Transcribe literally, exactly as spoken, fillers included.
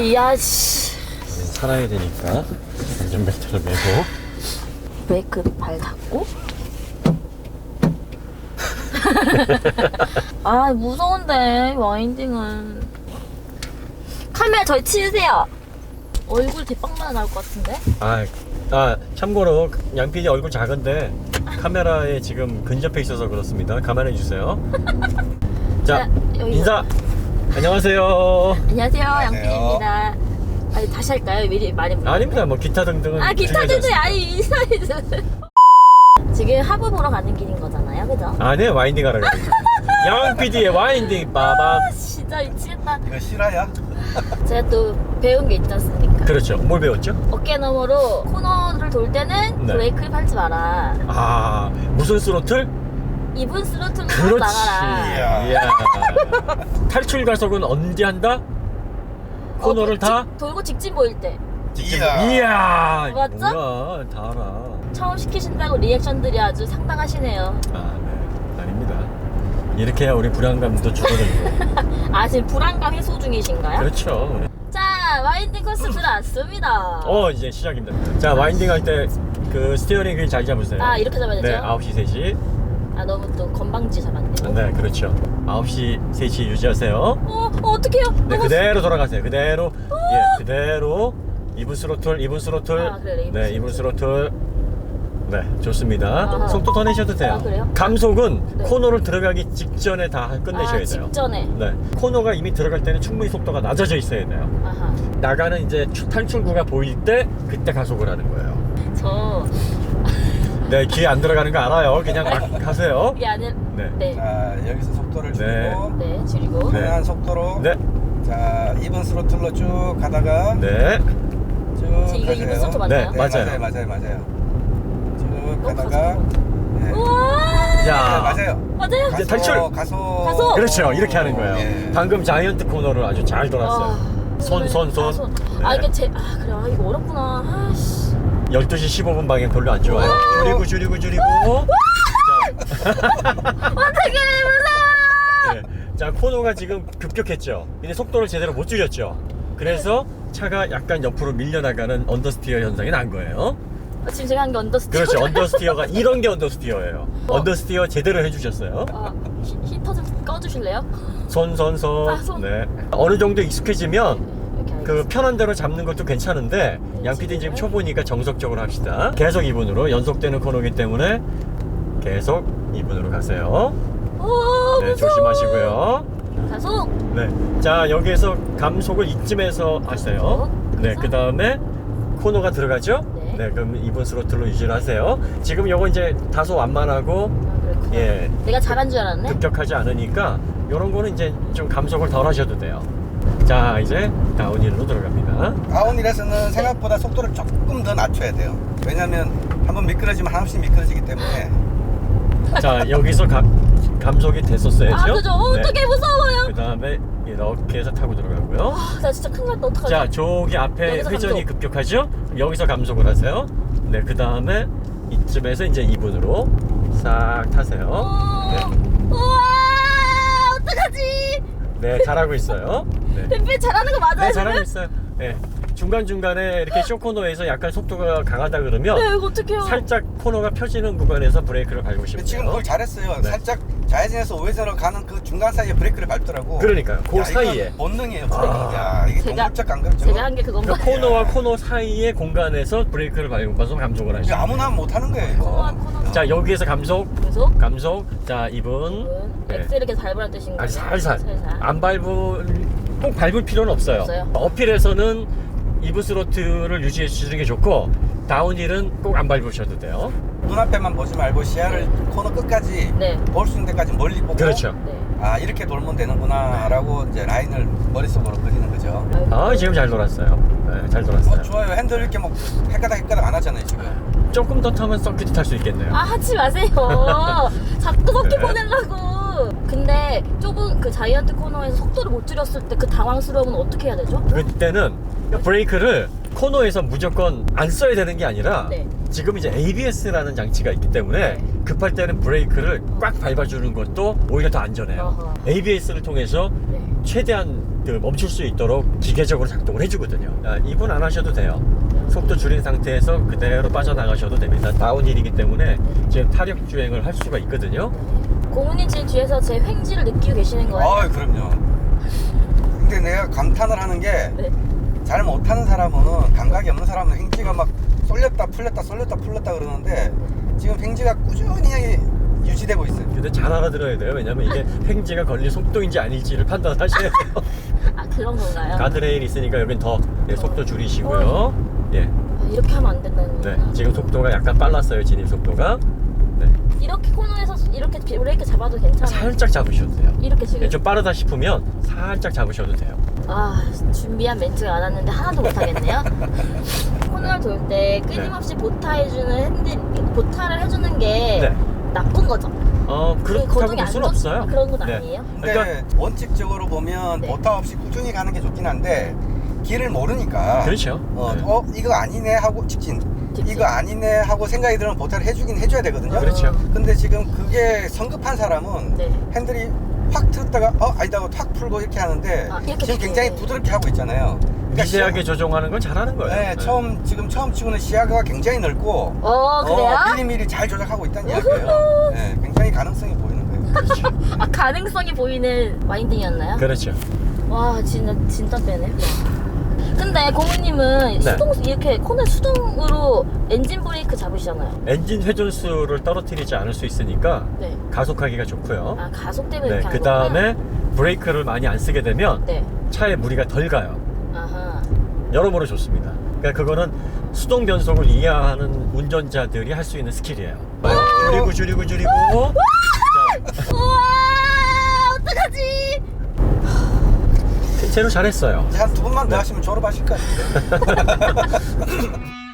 이야 씨. 살아야 되니까 안전벨트를 매고 브레이크 발 닫고. 아 무서운데 와인딩은. 카메라 저희 치우세요. 얼굴 대빵만 나올 것 같은데. 아, 아 참고로 양피디 얼굴 작은데 카메라에 지금 근접해 있어서 그렇습니다. 감안해 주세요. 자, 자, 여기 인사. 안녕하세요. 안녕하세요 양피디입니다. 아니 다시 할까요? 미리 많이 불러. 아닙니다. 뭐 기타 등등은 아 기타 중요하지 등등 않습니다. 아니 인사해주세요. 지금 하부 보러 가는 길인 거잖아요, 그죠? 아, 네, 와인딩 하러 가요. 양피디의 와인딩 빠밤. 아 진짜 미치겠다. 이거 실화야? 제가 또 배운 게 있지 않습니까? 그렇죠. 뭘 배웠죠? 어깨 너머로 코너를 돌 때는 네. 브레이크를 밟지 마라. 아, 무슨 스로틀? 이분 스로틀로 그렇지. 나가라. 이야. 이야. 탈출 가속은 언제 한다? 코너를 어, 다? 직- 돌고 직진 보일 때. 이야. 이야. 맞죠? 뭐야, 다 알아. 처음 시키신다고 리액션들이 아주 상당하시네요. 아, 네. 아닙니다. 이렇게 해야 우리 불안감도 줄어들고. 아 지금 불안감 해소 중이신가요? 그렇죠. 우리. 자 와인딩 코스 들어왔습니다. 어, 이제 시작입니다. 자, 와인딩 할 때 그 스티어링 휠 잘 잡으세요. 아 이렇게 잡아야 되죠? 네, 아홉 시 세 시. 아 너무 또 건방지 잡았네요. 네, 그렇죠. 아홉 시 세 시 유지하세요. 어, 어 어떡해요? 네, 너무 그대로 돌아가세요. 그대로. 예, 그대로. 이분 스로틀, 이분 스로틀. 아, 그래, 이분 네, 이분 스로틀. 네, 좋습니다. 아하. 속도 더 내셔도 돼요. 아, 그래요? 감속은 네. 코너를 들어가기 직전에 다 끝내셔야 아, 돼요. 직전에. 네, 코너가 이미 들어갈 때는 충분히 속도가 낮아져 있어야 돼요. 아하. 나가는 이제 추- 탈출구가 보일 때 그때 가속을 하는 거예요. 저 네, 귀에 안 들어가는 거 알아요. 그냥 막 가세요. 이게 아니라 네. 네. 자, 여기서 속도를 네. 줄이고 네, 줄이고. 네. 편한 속도로 네, 자, 이번 스로틀로 쭉 가다가 네. 쭉 이거 이분 스로틀 맞나요? 네, 맞아요. 맞아요. 맞아요. 맞아요. 쭉 너무 가다가 네. 우와. 네, 자, 맞아요. 맞아요? 이제 가속, 탈출! 가속. 가속! 그렇죠. 이렇게 하는 거예요. 예. 방금 자이언트 코너를 아주 잘 돌았어요. 아, 손, 손, 손. 아, 손. 네. 아 이게 제 아 그래 아 이거 어렵구나. 아씨. 열두 시 십오 분 방향 별로 안 좋아요. 줄이고 줄이고 줄이고. 자, 어떻게 무서워. 네. 자, 코너가 지금 급격했죠. 근데 속도를 제대로 못 줄였죠. 그래서 차가 약간 옆으로 밀려나가는 언더스티어 현상이 난 거예요. 아, 지금 제가 한 게 언더스티어. 그렇죠. 언더스티어가 이런 게 언더스티어예요. 어. 언더스티어 제대로 해주셨어요. 아, 히, 히터 좀 꺼주실래요? 손, 손, 손. 아, 손. 네. 어느 정도 익숙해지면 이렇게 그 알겠습니다. 편한 대로 잡는 것도 괜찮은데 양피디는 지금 초보니까 정석적으로 합시다. 계속 이 분으로 연속되는 코너이기 때문에 계속 이 분으로 가세요. 오, 네, 무서워. 조심하시고요. 가속. 네, 자 여기에서 감속을 이쯤에서 하세요. 네, 그 다음에 코너가 들어가죠. 네. 네, 그럼 이 분 스로틀로 유지를 하세요. 지금 요거 이제 다소 완만하고 아, 그렇구나. 예, 내가 잘한 줄 알았네. 급격하지 않으니까 요런 거는 이제 좀 감속을 덜 하셔도 돼요. 자, 이제 다운힐로 들어갑니다. 다운힐에서는 생각보다 속도를 조금 더 낮춰야 돼요. 왜냐면 한번 미끄러지면 한없이 미끄러지기 때문에 자, 여기서 가, 감속이 됐었어야죠. 아 그죠. 어, 어떡해 무서워요. 그 다음에 이렇게 해서 타고 들어가고요. 아, 나 진짜 큰일 났다. 어떡하지? 자, 저기 앞에 여기서 회전이 감속. 급격하죠? 그럼 여기서 감속을 하세요. 네, 그 다음에 이쯤에서 이제 이 분으로 싹 타세요. 어, 네. 우와 어떡하지? 네, 잘하고 있어요. 네, 뱀뱀 잘하는 거 맞아요? 네 잘하고 있어요. 네, 중간중간에 이렇게 쇼코너에서 약간 속도가 강하다 그러면 네 이거 어떡해요? 살짝 코너가 펴지는 구간에서 브레이크를 밟으시면 지금 돼요. 그걸 잘했어요. 네. 살짝 좌회전에서 우회전으로 가는 그 중간 사이에 브레이크를 밟더라고. 그러니까요. 그 야, 사이에. 이건 본능이에요. 아. 본능. 야, 이게 제가- 동물적 안 그렇죠? 제가 한 게 그건가? 그 코너와 코너 사이의 공간에서 브레이크를 밟아서 감속을 이거 하시죠. 아무나 하면 못하는 거예요. 이거. 코너와 코너. 자, 여기에서 감속, 계속. 감속. 자, 이분. 네. 엑셀을 이렇게 밟으라는 뜻인가요? 아니, 살살. 살살. 안 밟을, 꼭 밟을 필요는 없어요. 없어요? 어필에서는 이브 스로틀을 유지해 주시는 게 좋고, 다운힐은 꼭 안 밟으셔도 돼요. 눈앞에만 보지 말고 시야를 코너 끝까지 네. 볼 수 있는 데까지 멀리 보고 그렇죠. 네. 아 이렇게 돌면 되는구나 라고 이제 라인을 머릿속으로 그리는 거죠. 아, 지금 잘 돌았어요. 네, 잘 돌았어요. 어, 좋아요. 핸들 이렇게 뭐 헷가닥 헷가닥 안 하잖아요 지금. 조금 더 타면 서킷 탈 수 있겠네요. 아 하지 마세요. 자꾸 섞여 네. 보내려고. 근데 좁은 그 자이언트 코너에서 속도를 못 줄였을 때 그 당황스러움은 어떻게 해야 되죠? 그때는 브레이크를 코너에서 무조건 안 써야 되는 게 아니라 네. 지금 이제 에이비에스라는 장치가 있기 때문에 네. 급할 때는 브레이크를 꽉 밟아주는 것도 오히려 더 안전해요. 어허. 에이비에스를 통해서 네. 최대한 그 멈출 수 있도록 기계적으로 작동을 해주거든요. 아, 이분 안 하셔도 돼요. 속도 줄인 상태에서 그대로 빠져나가셔도 됩니다. 다운힐이기 때문에 지금 타력 주행을 할 수가 있거든요. 고문님 지금 뒤에서 제 횡지를 느끼고 계시는 거예요? 아, 그럼요. 근데 내가 감탄을 하는 게 잘 네. 못하는 사람은, 감각이 없는 사람은 횡지가 막 쏠렸다 풀렸다 쏠렸다 풀렸다 그러는데 지금 횡지가 꾸준히 유지되고 있어요. 근데 잘 알아들어야 돼요. 왜냐면 이게 횡지가 걸린 속도인지 아닐지를 판단하셔야 돼요. 아, 그런 건가요? 가드레일 있으니까 여긴 더 예, 속도 줄이시고요. 예, 아, 이렇게 하면 안 된다는 네, 거구나. 지금 속도가 약간 빨랐어요. 진입 속도가. 네, 이렇게 코너에서 이렇게 브레이크 잡아도 괜찮아요? 살짝 잡으셔도 돼요. 이렇게 지금 예, 좀 빠르다 싶으면 살짝 잡으셔도 돼요. 아, 준비한 멘트가 안 왔는데 하나도 못하겠네요. 코너를 돌 때 끊임없이 보타해주는 핸들, 보타를 해주는 게 네. 나쁜 거죠? 어, 그렇다고 거동이 볼 안 수는 좋- 없어요. 그런 건 네. 아니에요? 근데 그러니까 원칙적으로 보면 네. 보타 없이 꾸준히 가는 게 좋긴 한데 길을 모르니까 그렇죠. 어, 네. 어 이거 아니네 하고 직진, 직진. 이거 아니네 하고 생각이 들면 보타를 해주긴 해줘야 되거든요. 그렇죠. 근데 지금 그게 성급한 사람은 네. 핸들이 확 틀었다가 어 아니다 하고 탁 풀고 이렇게 하는데 아, 이렇게 지금 굉장히 네. 부드럽게 하고 있잖아요. 그러니까 미세하게 시야- 조정하는 건 잘하는 거예요. 네, 처음 지금 처음 치고는 시야가 굉장히 넓고 어, 그래요? 어, 미리미리 잘 조작하고 있다는 이야기예요. 네, 굉장히 가능성이 보이는 거예요. 아, 가능성이 보이는 와인딩이었나요? 그렇죠. 와, 진짜 진짜 빼네. 와. 근데 고문님은 네. 수동 이렇게 코너 수동으로 엔진 브레이크 잡으시잖아요. 엔진 회전수를 떨어뜨리지 않을 수 있으니까 네. 가속하기가 좋고요. 아, 가속 때문에 네, 이렇게 그 하는 거구나. 다음에 브레이크를 많이 안 쓰게 되면 네. 차에 무리가 덜 가요. 아하. 여러모로 좋습니다. 그러니까 그거는 수동 변속을 이해하는 운전자들이 할 수 있는 스킬이에요. 줄이고 줄이고 줄이고. 자, 우와, 어떡하지? 대체로 잘했어요. 한 두 번만 더 네. 하시면 졸업하실 것 같은데.